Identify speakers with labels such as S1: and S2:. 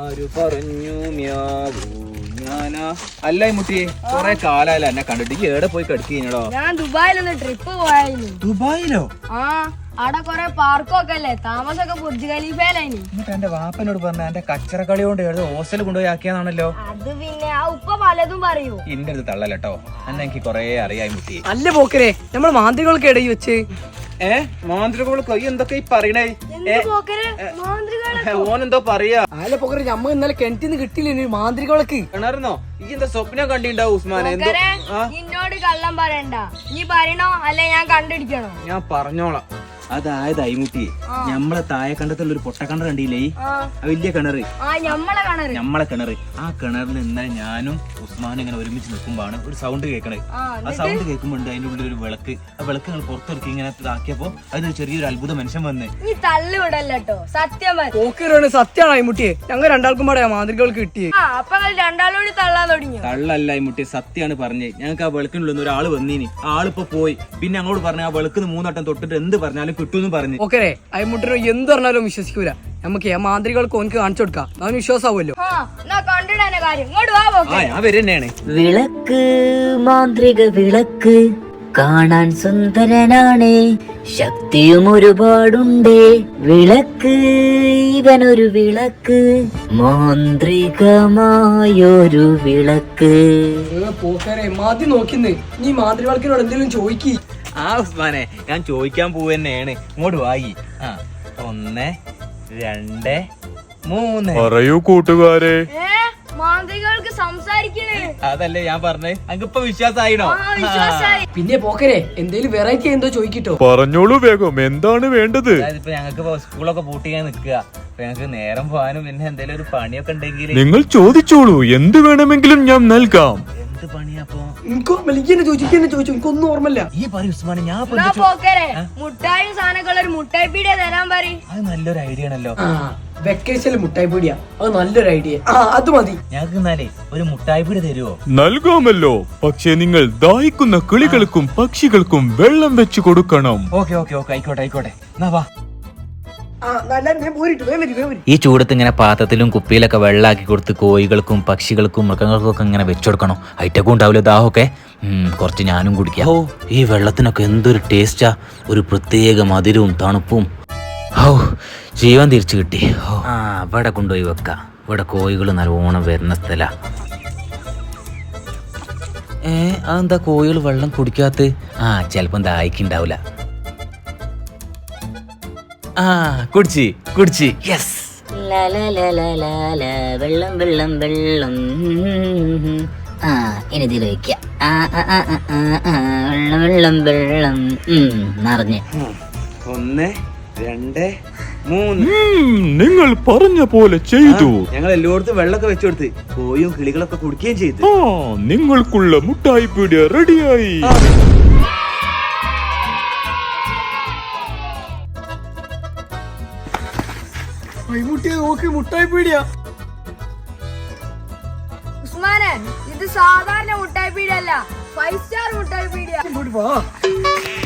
S1: ആര് പറഞ്ഞു മ്യാവൂ ഞാനാ? അല്ല മുട്ടി കൊറേ കാലായല്ലോ എന്നെ കണ്ടിട്ട്. ഈ എവിടെ പോയി കടിക്കോ?
S2: ഞാൻ ദുബായിലൊന്ന് ട്രിപ്പ് പോയായിരുന്നു.
S1: ദുബായിലോ?
S2: ആ, അവിടെ കൊറേ പാർക്കൊക്കെ അല്ലേ, താമസമൊക്കെ ബുർജ് ഖലീഫയിലായിന്.
S1: എന്നിട്ട് എന്റെ വാപ്പനോട് പറഞ്ഞ എന്റെ കച്ചറ കളി കൊണ്ട് എഴുതി ഹോസ്റ്റലിൽ കൊണ്ടുപോയി ആക്കിയാണല്ലോ.
S2: അത് പിന്നെ ആ ഉപ്പ പലതും പറയൂ.
S1: ഇന്റെ അടുത്ത് തള്ളല്ലോ എന്നെ എനിക്ക് കൊറേ അറിയായി മുട്ടി.
S3: അല്ല പോക്കരെ, നമ്മൾ മാന്ത്രികൾക്ക് ഇടയിൽ വെച്ച്
S1: മാന്ത്രികോള് കൈ എന്തൊക്കെ ഈ പറയണേ? ഓനെന്തോ പറയാ.
S3: അല്ല പോക്കരെ, നമ്മ ഇന്നലെ കിണറ്റിന്ന് കിട്ടിയില്ലേ മാന്ത്രികൾക്ക്?
S1: കിണർന്നോ? ഈ എന്താ സ്വപ്നം കണ്ടിണ്ടാവും ഉസ്മാനെ?
S2: എന്നോട് കള്ളം പറയണ്ട. നീ പറയണോ അല്ലെ ഞാൻ കണ്ടിടിക്കണോ?
S1: ഞാൻ പറഞ്ഞോളാം. അതായത് അയിമുട്ടി, ഞമ്മളെ താഴെ കണ്ടത്തുള്ള ഒരു പൊട്ടക്കിണർ കണ്ടില്ലേ? വലിയ കിണറ്, ഞമ്മളെ കിണറ്. ആ കിണറിൽ ഇന്നലെ ഞാനും ഉസ്മാനും ഇങ്ങനെ ഒരുമിച്ച് നിൽക്കുമ്പോഴാണ് ഒരു സൗണ്ട് കേൾക്കണത്. ആ സൗണ്ട് കേൾക്കുമ്പോ അതിന്റെ ഉള്ളിൽ ഒരു വിളക്ക്. ആ വിളക്ക് ഞങ്ങൾ പുറത്തിറക്കി ഇങ്ങനെ ഇതാക്കിയപ്പോ അതിനൊരു ചെറിയൊരു അത്ഭുത മനുഷ്യൻ വന്ന്.
S2: നീ തള്ളിവിടല്ലോ, സത്യം
S3: സത്യമാണ് അയിമുട്ടിയെ. ഞങ്ങൾ രണ്ടാൾക്കും പാടെ മാന്ത്രികൾക്ക് കിട്ടിയേ.
S2: അപ്പൊ രണ്ടാളോട് തള്ളാൻ തുടങ്ങി.
S1: തള്ളല്ല അയിമുട്ടി, സത്യമാണ് പറഞ്ഞത്. ഞങ്ങൾക്ക് ആ വിളക്കിനുള്ളിൽ നിന്ന് ഒരാള് വന്നീനി. ആളിപ്പോ പോയി. പിന്നെ ഞങ്ങളോട് പറഞ്ഞു ആ വിളക്കിന് 3 വട്ടം തൊട്ടിട്ട് എന്ത് പറഞ്ഞാലും കിട്ടുമെന്ന് പറഞ്ഞു.
S3: ഓക്കെ, അയിമുട്ടിനോ എന്ത് പറഞ്ഞാലും വിശ്വസിക്കൂല. നമുക്ക് ആ മാന്ത്രികൾക്ക് ഓനക്ക് കാണിച്ചു കൊടുക്കാം, അവന് വിശ്വാസമാവുമല്ലോ.
S1: ഞാൻ വരുന്നതാണ്.
S4: വിളക്ക്, മാന്ത്രിക വിളക്ക് കാണാൻ സുന്ദരനാണ്, ശക്തിയും ഒരുപാടുണ്ട്. വിളക്ക്, ഇവനൊരു വിളക്ക്, മാന്ത്രികമായൊരു വിളക്ക്.
S3: പോക്കരെ മതി നോക്കിന്ന്, നീ മാന്ത്രികൾക്കിനോട് എന്തെങ്കിലും ചോദിക്കി.
S1: ആ ഉസ്മാനെ, ഞാൻ ചോദിക്കാൻ പോവുകയാണ്. ഇങ്ങോട്ട് വായി. 1 2 3
S5: പറയൂ കൂട്ടുകാരെ.
S2: മാന്ത്രികൾക്ക് സംസാരിക്കണേ.
S1: അതല്ലേ ഞാൻ പറഞ്ഞേ. അങ്ങിപ്പോ വിശ്വാസായിനോ?
S3: പിന്നെ പോക്കരെ, എന്തേലും വെറൈറ്റി എന്തോ ചോദിക്കിട്ടോ?
S5: പറഞ്ഞോളൂ വേഗം, എന്താണ് വേണ്ടത്?
S1: ഇപ്പൊ ഞങ്ങൾക്ക് സ്കൂളൊക്കെ പൂട്ടിക്കാൻ നിക്കുക. അപ്പൊ ഞങ്ങക്ക് നേരം പോകാനും പിന്നെ എന്തെങ്കിലും ഒരു പണിയൊക്കെ ഉണ്ടെങ്കിൽ
S5: നിങ്ങൾ ചോദിച്ചോളൂ, എന്ത് വേണമെങ്കിലും ഞാൻ നൽകാം.
S1: എന്ത് പണിയാപ്പോ?
S3: ചോദിച്ചു, എനിക്കൊന്നും ഓർമ്മല്ല.
S1: ഈ പറ ഉസ്മാനെ, ഞാൻ
S2: മുട്ടായും സാധനങ്ങൾ ഒരു മുട്ടായി പീടിയ തരാൻ പറയും.
S1: അത് നല്ലൊരു ഐഡിയ ആണല്ലോ.
S3: വെക്കേഷനിൽ മുട്ടായി പീടിയ, അത് നല്ലൊരു ഐഡിയ. അത് മതി.
S1: ഞങ്ങൾക്ക് എന്നാലേ ഒരു മുട്ടായി പീടി തരുവോ?
S5: നൽകാമല്ലോ, പക്ഷേ നിങ്ങൾ ദാഹിക്കുന്ന കിളികൾക്കും പക്ഷികൾക്കും വെള്ളം വെച്ച് കൊടുക്കണം.
S1: ഓക്കെ ആയിക്കോട്ടെ. എന്നാ വാ.
S6: ഈ ചൂടത്ത് ഇങ്ങനെ പാത്രത്തിലും കുപ്പിയിലൊക്കെ വെള്ളാക്കി കൊടുത്ത് കോഴികൾക്കും പക്ഷികൾക്കും മൃഗങ്ങൾക്കും ഒക്കെ ഇങ്ങനെ വെച്ചുകൊടുക്കണം. ഐറ്റക്കും ഉണ്ടാവില്ല ദാഹമൊക്കെ. കുറച്ച് ഞാനും കുടിക്കാം. ഓ, ഈ വെള്ളത്തിനൊക്കെ എന്തൊരു ടേസ്റ്റാ, ഒരു പ്രത്യേക മധുരവും തണുപ്പും. ഓ, ജീവൻ തിരിച്ചു കിട്ടി. ആ, ഇവിടെ കൊണ്ടുപോയി വെക്കാം. ഇവിടെ കോഴികൾ നല്ലോണം വരുന്ന സ്ഥല. അതെന്താ കോഴികൾ വെള്ളം കുടിക്കാത്ത? ചിലപ്പം ദാഹിക്കുണ്ടാവില്ല. കുടിച്ച് യെസ്.
S4: വെള്ളം വെള്ളം വെള്ളം. ഇനി ഇതിൽ വയ്ക്കാം. വെള്ളം വെള്ളം വെള്ളം നിറഞ്ഞ്.
S1: 1 2 3.
S5: നിങ്ങൾ പറഞ്ഞ പോലെ ചെയ്തു.
S1: ഞങ്ങൾ എല്ലായിടത്തും വെള്ളമൊക്കെ വെച്ചുകൊടുത്ത് കോയും കിളികളൊക്കെ കുടിക്കുകയും ചെയ്തു.
S5: നിങ്ങൾക്കുള്ള മുട്ടായി പീടിയ റെഡിയായി.
S3: മുട്ടായി പീടിയ.
S2: ഉസ്മാനെ, ഇത് സാധാരണ മുട്ടായി പീടിയല്ല, 5 സ്റ്റാർ മുട്ടായി പീടിയ.